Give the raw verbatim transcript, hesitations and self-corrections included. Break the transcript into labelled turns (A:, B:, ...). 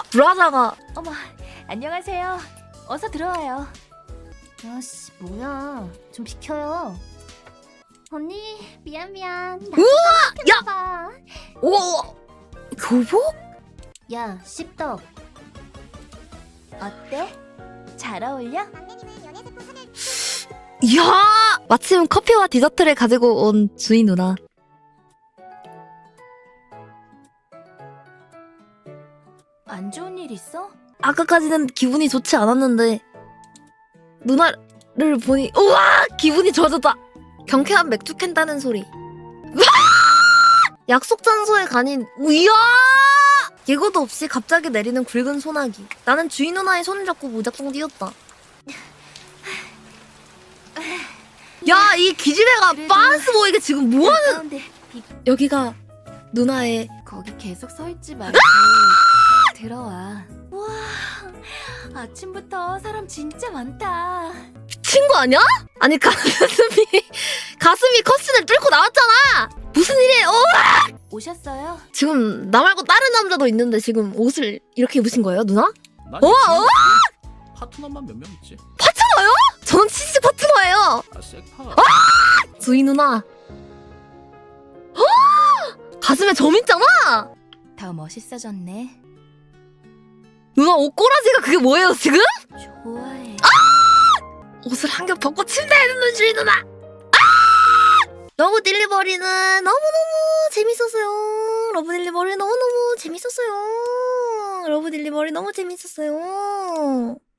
A: 아 브라자가
B: 어머, 안녕하세요. 어서 들어와요.
C: 야씨 뭐야 좀 비켜요. 언니 미안 미안.
A: 우와!
C: 야!
A: 오 교복?
C: 야 씹덕.
B: 어때? 잘 어울려?
A: 이야 마침 커피와 디저트를 가지고 온 주인 누나.
B: 안 좋은 일 있어?
A: 아까까지는 기분이 좋지 않았는데 누나를 보니 우와 기분이 좋아졌다. 경쾌한 맥주 캔 따는 소리. 우와! 약속 장소에 가니 이야 예고도 없이 갑자기 내리는 굵은 소나기. 나는 주인 누나의 손을 잡고 무작정 뛰었다. 야 이 기집애가
B: 그래도
A: 빤스 보이게 지금 뭐하는.
B: 가운데 비...
A: 여기가 누나의
B: 거기 계속 서 있지 말고 들어와. 와, 아침부터 사람 진짜 많다.
A: 친구 아니야? 아니 가슴이 가슴이 커튼을 뚫고 나왔잖아. 무슨 일이에요? 어?
B: 오셨어요?
A: 지금 나 말고 다른 남자도 있는데 지금 옷을 이렇게 입으신 거예요, 누나?
D: 난
A: 어?
D: 있지.
A: 어?
D: 파트너만 몇 명 있지.
A: 파트너요? 저는 치즈 파트너예요.
D: 아 섹파.
A: 주희 누나. 헉! 가슴에 점 있잖아.
B: 더 멋있어졌네.
A: 누나 옷꼬라지가 그게 뭐예요 지금?
B: 좋아해.
A: 옷을 한 겹 벗고 침대에 눕는 주희 누나. 아! 러브 딜리버리는 너무너무 재밌었어요. 러브 딜리버리 너무너무 재밌었어요. 러브 딜리버리 너무 재밌었어요.